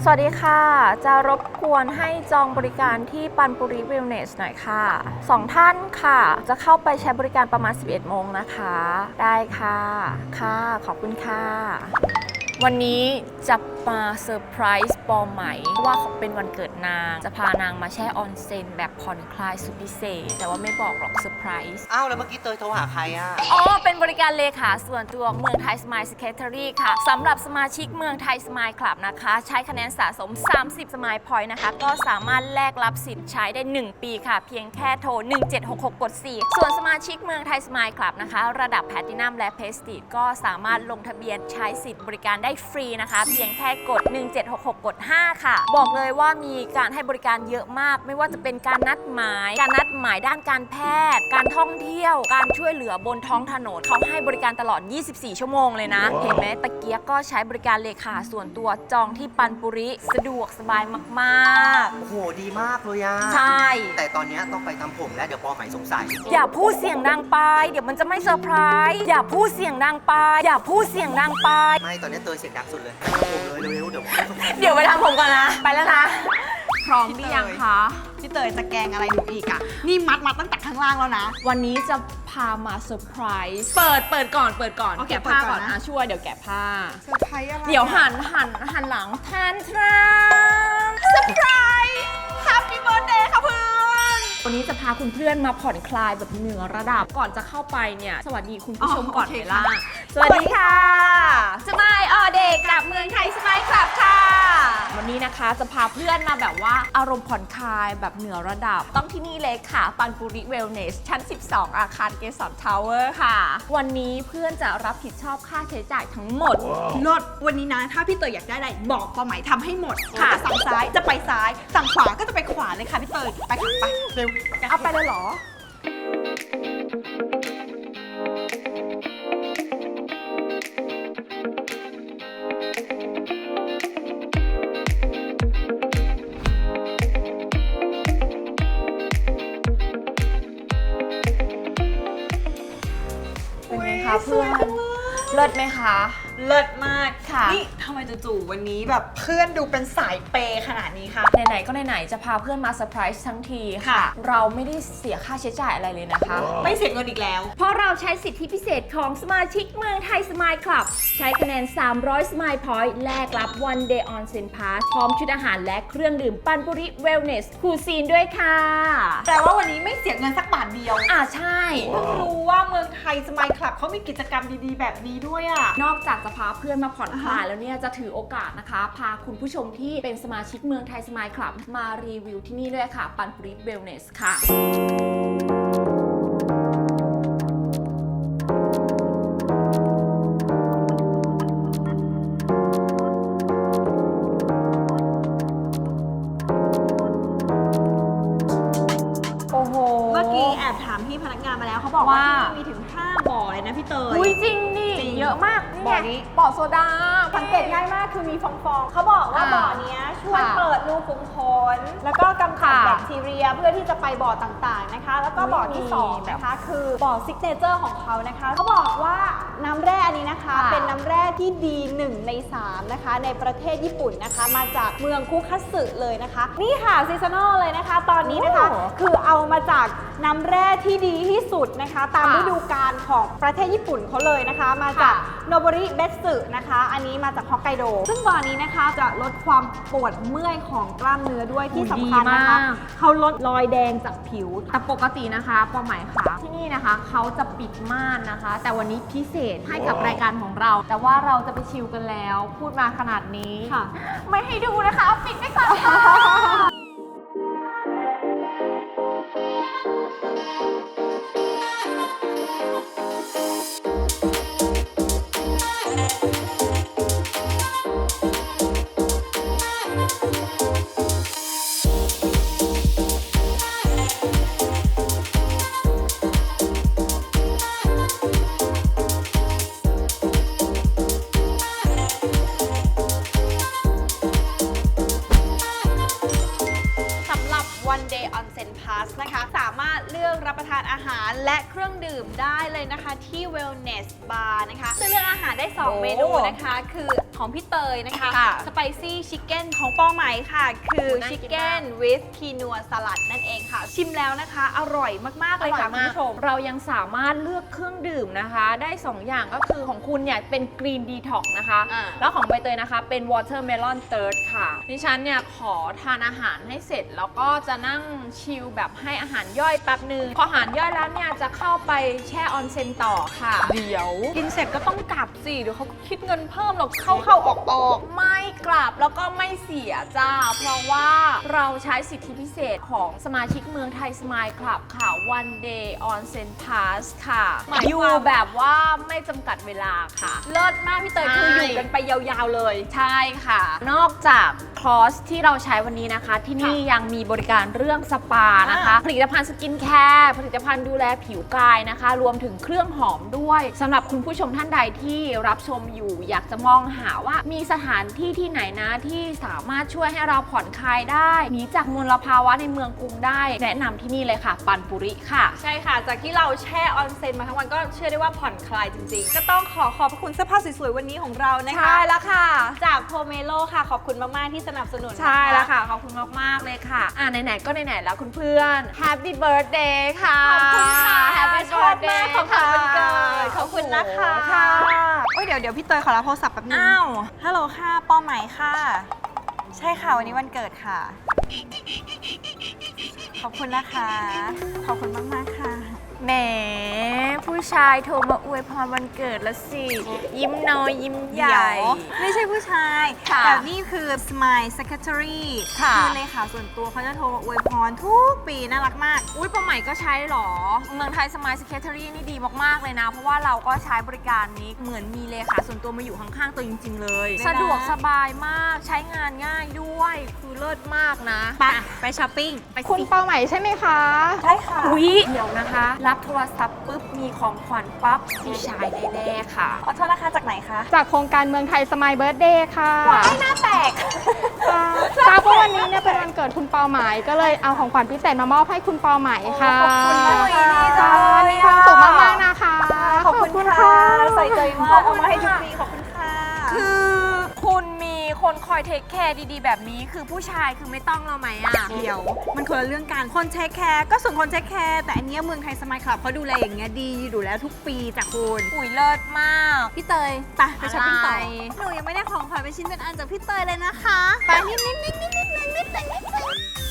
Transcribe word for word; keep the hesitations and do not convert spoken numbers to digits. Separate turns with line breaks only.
สวัสดีค่ะจะรบกวนให้จองบริการที่ปันปุริเวลเนสหน่อยค่ะสองท่านค่ะจะเข้าไปใช้บริการประมาณสิบเอ็ดโมงนะคะได้ค่ะค่ะขอบคุณค่ะวันนี้จะมาเซอร์ไพรส์ปอใหม่ว่าเขาเป็นวันเกิดนางจะพานางมาแช่ออนเซ็นแบบผ่อนคลายสุดพิเศษแต่ว่าไม่บอกหรอกเซอร์ไพรส์
อ้าวแล้วเมื่อกี้เตยโทรหาใครอ่ะ
อ๋อเป็นบริการเลขาส่วนตัวเมืองไทยสมายสเคทเทอรี่ค่ะสำหรับสมาชิกเมืองไทยสมายคลับนะคะใช้คะแนนสะสมสามสิบสมายพอยต์นะคะก็สามารถแลกรับสิทธิ์ใช้ได้หนึ่งปีค่ะเพียงแค่โทรหนึ่งเจ็ดหกหกกดสี่ส่วนสมาชิกเมืองไทยสมายคลับนะคะระดับแพลตินัมและเพสติก็สามารถลงทะเบียนใช้สิทธิ์บริการได้ฟรีนะคะเพียงแค่กดหนึ่งเจ็ดหกหกกดห้าค่ะบอกเลยว่ามีการให้บริการเยอะมากไม่ว่าจะเป็นการนัดหมายการนัดหมายด้านการแพทย์การท่องเที่ยวการช่วยเหลือบนท้องถนนเขาให้บริการตลอดยี่สิบสี่ชั่วโมงเลยนะเห็นไหมตะเกียกก็ใช้บริการเลขาส่วนตัวจองที่ปันปุริสะดวกสบายมากๆ
โอ้โหดีมากเลยอ่ะ
ใช่
แต่ตอนนี้ต้องไปทำผมแล้วเดี๋ยวปอใหม่สงสัย
อย่าพูดเสียงดังไปเดี๋ยวมันจะไม่เซอร์ไพรส์อย่าพูดเสียงดังไปอย่าพูดเสียงดังไป
ไม่ตอนนี้เตยเสียงดังสุดเลยทำผมเลยเร็วๆเดี๋ยวสงสัย
เดี๋ยวไปทำผมก่อนนะไปแล้วนะพร้อมหรือยังคะ
พี่เตยจะแกงอะไรหนูอีกอ่ะนี่มัดมาตั้งแต่ข้างล่างแล้วนะ
วันนี้จะพามาเซอร์ไพรส์เปิดเปิดก่อนเปิดก่อนแกะผ้าก่อนนะช่วยเดี๋ยวแกะผ้า
เซอร์ไพรส์อะไร
เดี๋ยวหันหันหันหลังแทนทรัมเซอร์ไพรส์แฮปปี้เบิร์ธเดย์ค่ะเพื่อนวันนี้จะพาคุณเพื่อนมาผ่อนคลายแบบเหนือระดับก่อนจะเข้าไปเนี่ยสวัสดีคุณผู้ชมก่อนเลยล่ะสวัสดีค่ะสมายออเดย์กับเมืองไทยสมายคลับค่ะวันนี้นะคะจะพาเพื่อนมาแบบว่าอารมณ์ผ่อนคลายแบบเหนือระดับต้องที่นี่เลยค่ะปันปุริเวลเนสชั้นสิบสองอาคารเกสรทาวเวอร์ค่ะวันนี้เพื่อนจะรับผิดชอบค่าใช้จ่ายทั้งหมด
ลดวันนี้นะถ้าพี่เตยอยากได้อะไรบอกปอไหมทำให้หมด
ค่ะ
จะสั่งซ้ายจะไปซ้ายสั่งขวาก็จะไปขวาเลยค่ะพี่เตยไปค่ะไปเร็ว
เอาไปเลยเหรอเป็นไงคะเพื่อนเลิศไหมคะ
เลิศมาก
ค่ะ
นี่ทำไมจู่ๆวันนี้แบบเพื่อนดูเป็นสายเปย์ขนาดนี้คะ
ไหนๆก็ไหนๆจะพาเพื่อนมาเซอร์ไพรส์ทั้งทีค่ะเราไม่ได้เสียค่าใช้จ่ายอะไรเลยนะคะ
ไม่เสียเงินอีกแล้ว
เพราะเราใช้สิทธิพิเศษของสมาชิกเมืองไทยสมายคลับใช้คะแนนสามร้อยสมายพอยต์แลกรับ one day on sen pass พร้อมชุดอาหารและเครื่องดื่มปันปุริเวลเนสคูซีนด้วยค่ะ
แต่ว่าวันนี้ไม่เสียเงินสักบาทเดียว
อ่าใช่
เพิ่งรู้ว่าเมืองไทยสมายคลับเขามีกิจกรรมดีๆแบบนี้ด้วยอ่ะ
นอกจากจะพาเพื่อนมาผ่อนคลายแล้วเนี่ยจะถือโอกาสนะคะพาคุณผู้ชมที่เป็นสมาชิกเมืองไทยสมายคลับมารีวิวที่นี่ด้วยค่ะปันปุริเวลเนสค่ะโอ้โห
เมื่อกี้แอบถามพี่พนักงานมาแล้วเขาบอกว่าที่นี่มีถึงห้าบ่อเลยนะพี่เตย
อุ้ยจริงดิเยอะมาก
บ่อนี้
บ่อโซดา
สังเกตง่ายมากคือมีฟองๆเขาบอกว่าบ่อนี้ช่วยเปิดรูขุมขนแล้วก็กำจัดแบคทีเรียเพื่อที่จะไปบ่อต่างๆนะคะแล้วก็บ่อที่สองนะคะคือบ่อซิกเนเจอร์ของเขานะคะเขาบอกว่าน้ำแร่อันนี้นะคะเป็นน้ำแร่ที่ดีหนึ่งในสามนะคะในประเทศญี่ปุ่นนะคะมาจากเมืองคุคัตสึเลยนะคะนี่ค่ะซีซันอลเลยนะคะตอนนี้นะคะคือเอามาจากน้ำแร่ที่ดีที่สุดนะคะตามฤดูกาลของประเทศญี่ปุ่นเขาเลยนะคะมาจากโนโบริเบสึนะคะอันนี้มาจากฮอกไกโดซึ่งบ่อนี้นะคะจะลดความปวดเมื่อยของกล้ามเนื้อด้วยที่สำคัญนะคะเขาลดรอยแดงจากผิว
แต่ปกตินะคะปอหมายค่ะที่นี่นะคะเขาจะปิดม่านนะคะ แต่วันนี้พิเศษให้กับรายการของเรา แต่ว่าเราจะไปชิลกันแล้วพูดมาขนาดนี้ไม่ให้ดูนะคะเอาปิดไปก่อนค่ะ
านอาหารและเครื่องดื่มได้เลยนะคะที่ Wellness Bar นะคะซึ่งเลือกอาหารได้ สอง
โอ้
เมนูนะคะ คือของพี่เตยนะคะ
ค่ะ
Spicy Chicken ของปอไหมค่ะ คือ
น่ากินมาก
Chicken with Quinoa Salad นั่นเองค่ะ ชิมแล้วนะคะ อร่อยมาก ๆ เลยค่ะคุณผู้ชม
เรายังสามารถเลือกเครื่องดื่มนะคะ ได้ สอง อย่างก็คือของคุณเนี่ยเป็น Green Detox นะคะ
อ่า
แล้วของใบเตยนะคะเป็น Watermelon Third ค่ะดิฉันเนี่ยขอทานอาหารให้เสร็จ แล้วก็จะนั่งชิลแบบให้อาหารย่อยแป๊บนึงพออาหารย่อยแล้วเนี่ยจะเข้าไปแช่ออนเซ็นต่อค่ะ เดี๋ยว
กินเสร็จก็ต้องกลับสิ เดี๋ยวเขาก็คิดเงินเพิ่มหรอกเข้าเข้าออกออก
ไม่กลับแล้วก็ไม่เสียจ้า เพราะว่าเราใช้สิทธิพิเศษของสมาชิกเมืองไทยสมายคลับค่ะ One Day Onsen Pass ค่ะ
หมายความ
อยู่แบบว่าไม่จำกัดเวลาค่ะ
เลิศมากพี่เตย
ใช่
คืออยู่กันไปยาวๆเลย
ใช่ค่ะ นอกจากคอร์สที่เราใช้วันนี้นะคะ ที่นี่ยังมีบริการเรื่องสปานะคะ ผลิตภัณฑ์สกินแคร์ผลิตภัณฑ์ดูแลผิวกายนะคะ รวมถึงเครื่องหอมด้วยสำหรับคุณผู้ชมท่านใดที่รับชมอยู่ อยากจะมองหาว่ามีสถานที่ที่ไหนนะที่สามารถช่วยให้เราผ่อนคลายได้หนีจากมลภาวะในเมืองกรุงได้ แนะนำที่นี่เลยค่ะ ปันปุริค่ะ
ใช่ค่ะ จากที่เราแช่ออนเซ็นมาทั้งวันก็เชื่อได้ว่าผ่อนคลายจริงๆ ก็ต้องขอขอบพระคุณเสื้อผ้าสวยๆ วันนี้ของเรานะคะ
ใช่แล้วค่ะ
จากโพเมโลค่ะ ขอบคุณมาก ๆ ที่สนับสนุนนะคะ
ใช่แล้วค่ะ ขอบคุณมาก ๆ เลยค่ะ อ่าไหน ๆ ก็ไหน ๆ แล้วคุณเพื่อน Happy Birthday ค่ะ
ขอบคุณค่ะ
Happy
ชอบมาก
Birthday
ของขวัญวันเกิดขอบคุณนะคะ
โอ้โหค่ะ
โอ้ยเดี๋ยวเดี๋ยวพี่เตยขอรับโทรศัพท์แป๊บนึง
อ้าว
ฮัลโหลค่ะป้อไหมค่ะ ใช่ค่ะ วันนี้วันเกิดค่ะ ขอบคุณนะคะ ขอบคุณมาก ๆ ค่ะ
แหมผู้ชายโทรมาอวยพรวันเกิดแล้วสิ ยิ้มน้อยยิ้มใหญ่
ไม่ใช่ผู้ชาย
ค่ะ
แต่นี่คือ Smile Secretary
ค่ะ
คือเลขาส่วนตัวเขาจะโทรมาอวยพรทุกปีน่ารักมาก
อุ้ยปอใหม่ก็ใช้เหรอ เมืองไทยสมายสเคทเทอรี่นี่ดีมาก ๆ เลยนะ เพราะว่าเราก็ใช้บริการนี้เหมือนมีเลขาส่วนตัวมาอยู่ข้าง ๆ ตัวจริง ๆ เลย
ไม่ได้
สะดวกสบายมากใช้งานง่ายด้วย คือเลิศมากนะ
ไปไปช้อปปิ้ง
ไปสิ
คุณเป้าใหม่ใช่ไหมคะ
ใช่ค่ะ
อุ๊ยเดี๋ยวนะคะ รับโทรศัพท์ปุ๊บ มีของขวัญปั๊บผู้ชายแน่ๆค่ะ
ขอโทษนะคะจากไหนคะ
จากโครงการเมืองไทยสมายเบิร์ดเดย์ค่ะ
ไม่น่าแตก
ค่ะทราบว่าวันนี้เนี่ยเป็นวันเกิดคุณเป้าหมายก็เลยเอาของขวัญพิเศษมามอบให้คุณเป้าหมายค่ะ
ขอบคุณมากเลยดีจัง
ค่ะมีความสุขมากๆนะคะ
ขอบคุณค่ะใส่ใจมากเอามาให้ทุกปีขอบคุณค่ะ
คือคุณมีคนคอยเทคแคร์ดีๆ แบบนี้ คือผู้ชายคือไม่ต้องเราไหมอ่ะ
เดี๋ยวมันคนละเรื่องกันคนเทคแคร์ก็ส่วนคนเทคแคร์แต่อันเนี้ยเมืองไทยสมายคลับเขาดูแลอย่างเงี้ยดีอยู่แล้วทุกปีจากคุณ
อุ้ยเลิศมาก
พี่เตยไปไปช้อปปิ้งต่อ
อะไร
หนูยังไม่ได้ของขวัญเป็นชิ้นเป็นอันจากพี่เตยเลยนะคะไปนิดนิดนิดนิดนิดนิดนิดนิด